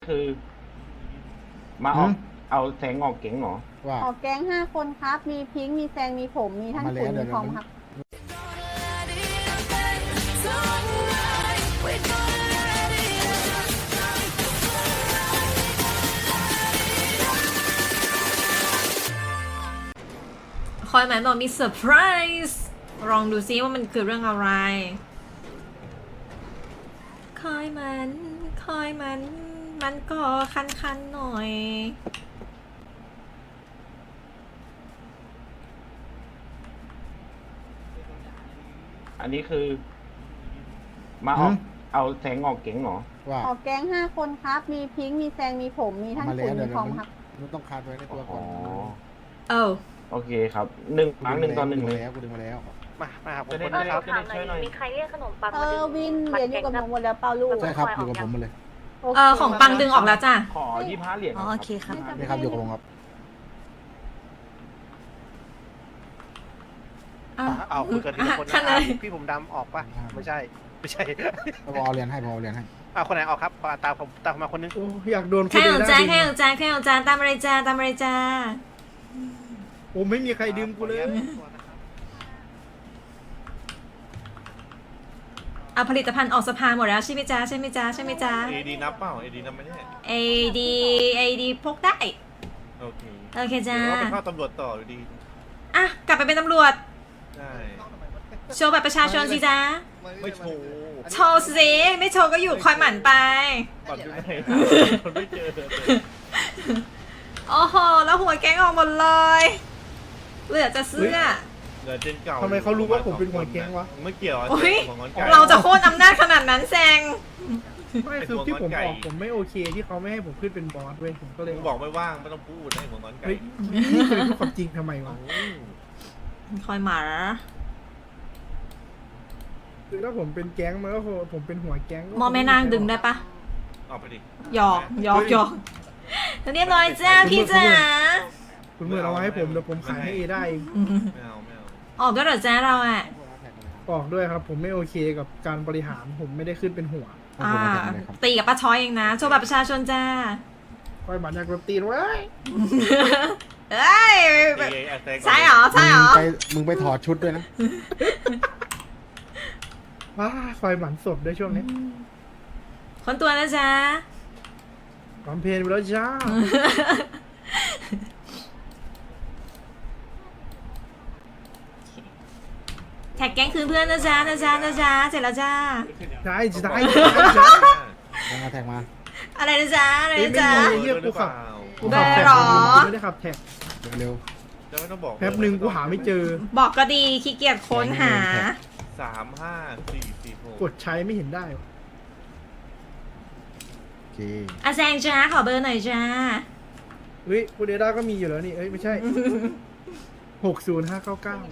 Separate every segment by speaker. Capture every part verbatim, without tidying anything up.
Speaker 1: คือมาออกเอาแสงออกเก๋งเหรอ
Speaker 2: ว่า
Speaker 3: ออกแก๊งห้าคนครับ มีพิงค์มีแซง มีผม มีท่านขุนมีทอมครับ
Speaker 4: คอยหมายบอกมีเซอร์ไพรส์ลองดูซิว่ามันคือเรื่องอะไร คอยมัน คอยมัน มันก็คันๆหน่อย
Speaker 1: อันนี้คือมาออกเอาแสงออกเก๋งเหรอ
Speaker 2: ว่า
Speaker 3: ออกแก๊งห้าคนครับ มีพิงค์มีแซง มีผม มีท่านขุนมีทอมครับ
Speaker 2: มันต้องคาดไว้ในตัวก่
Speaker 1: อ๋
Speaker 2: อ
Speaker 1: อน
Speaker 4: เอ้า
Speaker 1: โอเคครับหนึ่งครั้งหนึ่งต่อหนึ่งเลย
Speaker 2: แล้วกูดึงมาแล้ว
Speaker 5: มา มาครับผม
Speaker 1: จะได้
Speaker 5: คนนะครับ
Speaker 1: จะได้ช่วยหน่อย
Speaker 6: มีใครเรียกขนมปัง
Speaker 3: เอ
Speaker 6: มา
Speaker 3: อ
Speaker 6: ดึง
Speaker 3: วินเหรียญอยู่กับหนูหมดแล้วเปล่าลูก
Speaker 2: ใช่ครับอยู่กับผมมาเลย
Speaker 3: โค
Speaker 4: เออของปังดึงออกแล้วจ้ะ
Speaker 1: ขอยี่ห้าเหรียญ
Speaker 4: อ๋อโอเคครับ
Speaker 2: นี่ครับอยู่กับผมครับ
Speaker 4: อ้าว
Speaker 5: เอาคุยกันทีละคน
Speaker 4: ข้างใน
Speaker 5: นะพี่ผมดำออกปะไม่ใช่ ไม่ใช่
Speaker 2: พอเอาเรียนให้พอเอาเรียนให้
Speaker 5: เอาคนไหนออกครับตามผมตามมาคนนึง
Speaker 7: โอ้อยากโดน
Speaker 4: แค่ของจาน
Speaker 7: ดึ
Speaker 4: แค่ของจานแค่ของจานตามอะไรจ้าตามอะไรจ้า
Speaker 7: โอ้ไม่มีใครดึงกูเลย
Speaker 4: เอาผลิตภัณฑ์ออกสภาหมดแล้วใช่ไหมจ้าใช่ไหมจ้าใช่ไหมจ้า
Speaker 8: เอดีนับเปล่าเอดีนับไหมเนี่ย
Speaker 4: เอดีเอดีพกได้
Speaker 8: โอเค
Speaker 4: โอเคจ้า
Speaker 8: เดี๋ยวว่าไปเข้าตำรวจต่ออยู่ดี
Speaker 4: อ่ะกลับไปเป็นตำรวจ
Speaker 8: ใช่
Speaker 4: โชว์บัตรประชาชนสิจ้า
Speaker 8: ไม่โชว์
Speaker 4: โชว์สิไม่โชว์ก็อยู่คอยหมั่นไป
Speaker 8: ก่อนอยู่ไหนคนไม่เจอ
Speaker 4: โอ้โหแล้วหัวแก๊งออกหมดเลย เหลือจะเสื้อ
Speaker 8: เหลือเจนเก่า
Speaker 7: ทำไมเขารู้ว่าผมเป็นหัวแก๊งวะ
Speaker 8: ไม่เกี่ยวอะ
Speaker 4: โอ้ย
Speaker 8: ของงอนไก่
Speaker 4: เราจะโค่นอำนาจขนาดนั้นแซง
Speaker 7: ไม่คือที่ผมออกผมไม่โอเคที่เขาไม่ให้ผมขึ้นเป็นบอสเว้ยผมก็เลย
Speaker 8: มึงบอกไม่ว่างไม่ต้องพูดให้ของงอนไก่
Speaker 7: เฮ้ยนี่เคยพูดความจริงทำไมวะ
Speaker 8: โอ้
Speaker 4: คอยหมา
Speaker 7: คือถ้าผมเป็นแก๊งมันก็คงผมเป็นหัวแก๊ง
Speaker 4: มอแม่นางดึงได้ปะ
Speaker 8: เอาไปดิ
Speaker 4: หยอกหยอกหยอกเรียบร้อยจ้าพี่จ๋า
Speaker 7: คุณเมื่อเอามาให้ผมเดี๋ยวผมขายให้เอได้เอง
Speaker 8: ไม่เอาไม่เอา
Speaker 4: ออกด้วยเหรอจ้าเราอ่ะ
Speaker 7: ออกด้วยครับ ผมไม่โอเคกับการบริหารผมไม่ได้ขึ้นเป็นหัว
Speaker 2: ขอบ
Speaker 4: อ่า
Speaker 2: คุณมากเลยครับ
Speaker 4: ตีกับป้าช้อยเองนะโชว์บัตรประชาชนจ้า
Speaker 7: คอยบัตรอยากโดนตีนไว้ย
Speaker 4: เอ้ย
Speaker 8: ตีไอ้แซงก่น
Speaker 4: ใช่เหรอใช่เหรอ
Speaker 2: มึงไปมึงไปถอดชุดด้วยนะ
Speaker 7: ว้าคอยหมันศพด้วยช่วงนี้
Speaker 4: คนตัวนะจ๊ะ
Speaker 7: คอมเพลนไปแล้วจ้า
Speaker 4: แท็กแก๊งคืนเพื่อนนะจ๊ะนะจ๊ะนะจ๊ะเสร็จแล้วจ้า
Speaker 7: ใช่ใช่
Speaker 2: แทงมาแทงมา
Speaker 4: อะไรนะจ๊ะอะไรนะจ๊ะ
Speaker 7: ไม่มี เหี้ยกูขับ กู
Speaker 4: เบ
Speaker 7: ขั
Speaker 4: อบ ร์
Speaker 7: แท็ก
Speaker 4: หรอ
Speaker 7: กูไม่ได้ขับแท็ก
Speaker 2: เร็ว
Speaker 8: จะไม่ต้องบอก
Speaker 7: แป๊บหนึ่งกูหาไม่เจอ
Speaker 4: บอกก็ดีขี้เกียจค้นหา
Speaker 8: สามห้าสี่สี่หก
Speaker 7: กดใช้ไม่เห็นได้วะ
Speaker 2: ๆโอเค
Speaker 4: อาแซงจ้าขอเบอร์หน่อยจ้า
Speaker 7: เฮ้ยคูเดด้าก็มีอยู่แล้วนี่ เอ้ยไม่ใช่ หกศูนย์ห้าเก้าเก้า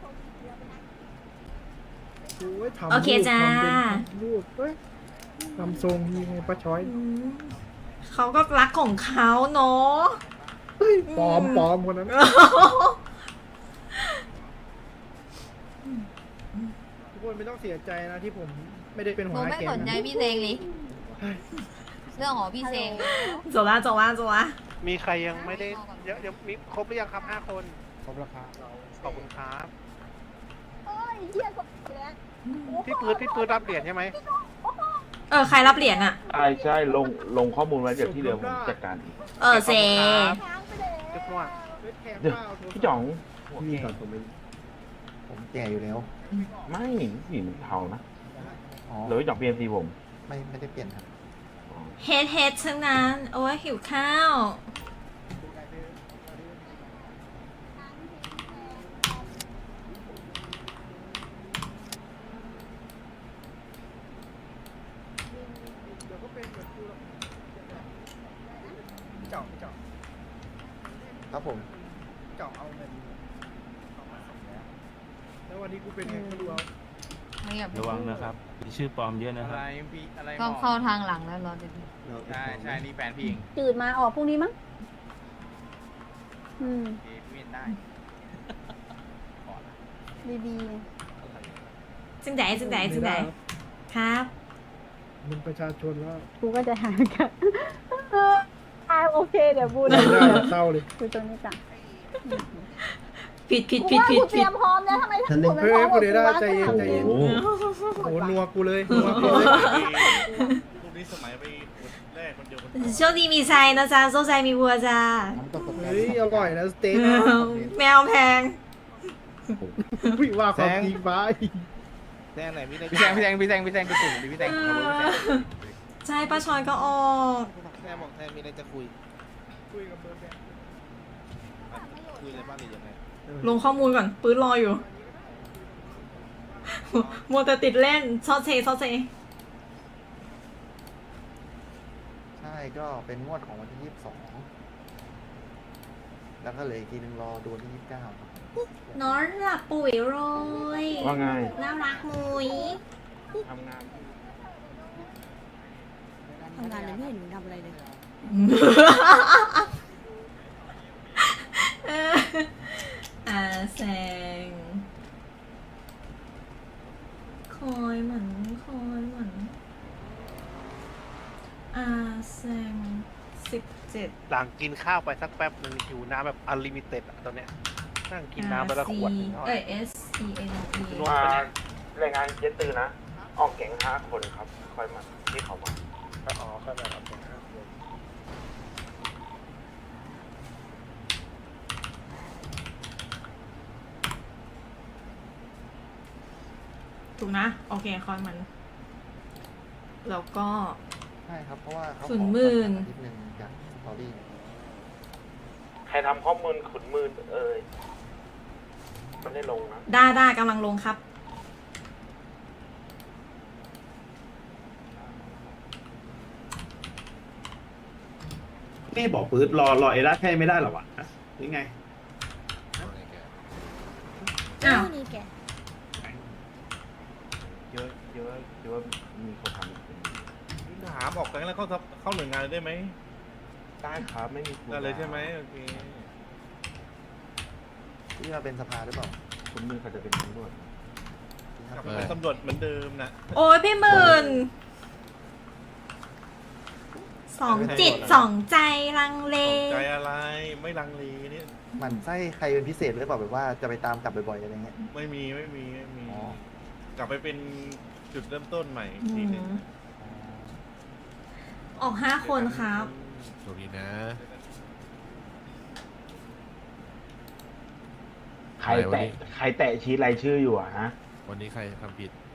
Speaker 7: โอ้ยทำ
Speaker 4: โอเคจ้า
Speaker 7: ทำเป็นรูปเฮ้ยทำทรงยังไงป้าช้อย
Speaker 4: เขาก็รักของเขาเนาะ
Speaker 7: เฮ้ยปลอมปลอมคนนั้น ทุกคนไม่ต้องเสียใจนะที่ผมไม่ได้เป็น
Speaker 9: ห
Speaker 7: หัว
Speaker 9: นู
Speaker 7: หน้า
Speaker 9: ไม่
Speaker 7: แก๊
Speaker 9: ส
Speaker 7: ง
Speaker 9: นใจ
Speaker 7: นะ
Speaker 9: พี่เซงเลยเรื่องของพี่เซง
Speaker 4: จบละจบละจบละ
Speaker 5: มีใครยังไม่ได้เยอะยังมีครบหรือยังครับห้าคน
Speaker 2: ครบราคา
Speaker 5: ขอบคุณครับ
Speaker 3: เอ้ยเหี้ยกดแล้ว
Speaker 5: พี่ปืนพี่ปืนรับเหรียญใช่ไหม
Speaker 4: เออใครรับเหรียญอะ
Speaker 1: ใช่ใช่ลงลงข้อมูลไว้เดี๋ยวที่เหลือผมจัดการอีก
Speaker 4: เออเซ
Speaker 3: ค้างไปแล้ว
Speaker 5: จุ๊บมั่ว
Speaker 7: เฮ้ยแทง
Speaker 1: เดี๋ยว
Speaker 7: เปล่าโทรศัพท์
Speaker 1: พี่จ๋องหัว
Speaker 2: พี่
Speaker 1: แก่
Speaker 2: ก่อนผมไม่ผมแก่อยู่แล้ว
Speaker 1: ไม่สีมันเทานะ
Speaker 2: อ๋อ
Speaker 1: หรือว่าจ๋องเปลี่ยนสีผม
Speaker 2: ไม่ไม่ได้เปลี่ยนครับ
Speaker 1: อ๋อ
Speaker 4: เฮดเฮดทั้งนั้น โอ้ยหิวข้าว
Speaker 7: เดี๋ยวก็เป็นเหมือนกูหรอกเจาะเจาะ
Speaker 2: ครับผม
Speaker 7: เจาะเอาเงินเอามาส่งแล้วแล้ววันนี้กูเป็นไงก็รู้เอา
Speaker 9: ไม่อยาก
Speaker 10: ระวังนะครับมีชื่อปลอมเยอะนะครับ
Speaker 9: ก็เข้าทางหลังแล้วเหรอเดี๋ยวนี้
Speaker 8: ใช่ใช่นี่แฟนพี่เอง
Speaker 3: จืดมาออกพรุ่งนี้มั้ง อืม
Speaker 8: พี่เวียนได้
Speaker 3: ดี
Speaker 4: จึงไหนจึงไหนจึงไหนครับ
Speaker 7: มึงประชาชนแล้ว
Speaker 3: ๆ กูก็จะหาเหมือนกันเคเดี๋ยวบูน
Speaker 7: ไม่ได้เศร้าเลย
Speaker 3: ดูตรงนี้จ้ะ
Speaker 4: ผิดผิด
Speaker 3: กู
Speaker 4: ผิด
Speaker 3: ว่า
Speaker 4: ผิ
Speaker 3: กู
Speaker 4: ด
Speaker 3: เต
Speaker 4: ผิด
Speaker 3: รียมพร้อมแล้วทำไมทั้งหมดไม่
Speaker 7: เฮ้
Speaker 3: พร้อย มหม
Speaker 7: กู
Speaker 3: ด
Speaker 7: เดด้า
Speaker 3: กูว่า
Speaker 7: ใจเย็นใจเย็น
Speaker 3: โอ้
Speaker 7: โอ้นัวกูเลยนัวกูเลย
Speaker 8: ลูกนี้สมัยไปแรกคนเดียวคน
Speaker 4: โชคดีมีไซนะจ๊ะโชคใจมีวัวจ้า
Speaker 2: น้ำตกตก
Speaker 7: เฮ้ยอร่อยนะสเต็ก
Speaker 4: แมวแพง
Speaker 7: วิว่าความจริงไป
Speaker 5: แซงไหนมีอะไร
Speaker 1: พี่แซงพี่แซงพี่แซงพี่แซงไปสูงดิพี่แซงขับรถพี่แซง
Speaker 4: ใช่ป้าชอยก็ออก
Speaker 5: แซงบอกแซงมีอะไรจะคุย
Speaker 7: คุยกับเบอร์แบง
Speaker 5: คุยอะไรบ้างหรือยังไง
Speaker 4: ลงข้อมูลก่อน ปื้นรออยู่ มัวแต่ติดเล่นซอสเซซอสเซ
Speaker 2: ใช่ก็เป็นงวดของวันที่ยี่สิบสองแล้วก็เหลยอีกทีนึงรอดูวันที่ยี่สิบเก้าครับ
Speaker 4: นอนหลับปุ๋ยโรย
Speaker 1: ว่าไง
Speaker 4: น่ารักมุย
Speaker 1: ทำงาน
Speaker 3: ทำงานเลยไม่เห็นหนูทำอะไรเลย
Speaker 4: อาแซงคอยเหมือนคอยเหมือนอาแซงสิบเจ็ด
Speaker 5: หลังกินข้าวไปสักแป๊บหนึ่งหิวน้ำแบบอันลิมิเต็ดอะตอนเนี้ยนั่งกินน้ำไปละขวดหนึ่งเท่าไห
Speaker 4: เอ้
Speaker 5: ร่
Speaker 4: ย S E N E
Speaker 5: รวม
Speaker 1: มารายงานเย็ดตือนะ ออกแก๊งห้าคนครับ คอยมาที่เขามา
Speaker 5: อ๋อเข้าใจครับ
Speaker 4: ถูกนะ โอเคคอยมัน แล้วก็
Speaker 2: ใช่ครับเพราะว่าเขา
Speaker 4: ศูนย์หมื่น
Speaker 2: ขอนิดนึงจากสตอรี่
Speaker 1: ใครทำข้อมูลขุนมือเอ่ยมันได้ลงนะ
Speaker 4: ได้ได้กำลังลงครับ
Speaker 6: นี่บอกปื๊ดรอรอเอร่าแค่ไม่ได้หรอวะนี่ไง
Speaker 4: อ้าว
Speaker 3: นี่แก
Speaker 1: เยอะเยอะเยอะมีคนทำเป็น
Speaker 8: ถามออกแก๊งแล้วเข้าทับเข้าหน่วยงานเลยได้ไหม
Speaker 1: ได้ครับไม่มี
Speaker 8: ได้เลยใช่ไหมโอเค
Speaker 2: ที่มาเป็นสภาหรือเปล่า
Speaker 1: ขุนมือเขาจะเป็นตำรวจ
Speaker 8: กลับไปเป็นตำรวจเหมือนเดิมนะ
Speaker 4: โอ้ยพี่หมื่นสองจิตสองใจลังเล
Speaker 8: ใจอะไรไม่ลังเลเนี่ย
Speaker 2: หมันไส้ใครเป็นพิเศษหรือเปล่าแบบว่าจะไปตามกลับบ่อยๆอะไรเงี้ย
Speaker 8: ไม่มีไม่มีไม่มี
Speaker 2: อ๋อ
Speaker 8: กลับไปเป็นจุดเริ่มต้นใหม่
Speaker 4: อื
Speaker 8: ทีหนึง
Speaker 4: มออกห้าคนครับ
Speaker 5: สวัสดีนะ
Speaker 1: ใครแตะใครแตะชี้รายชื่ออยู่อะฮะ
Speaker 5: วันนี้ใครทำผิด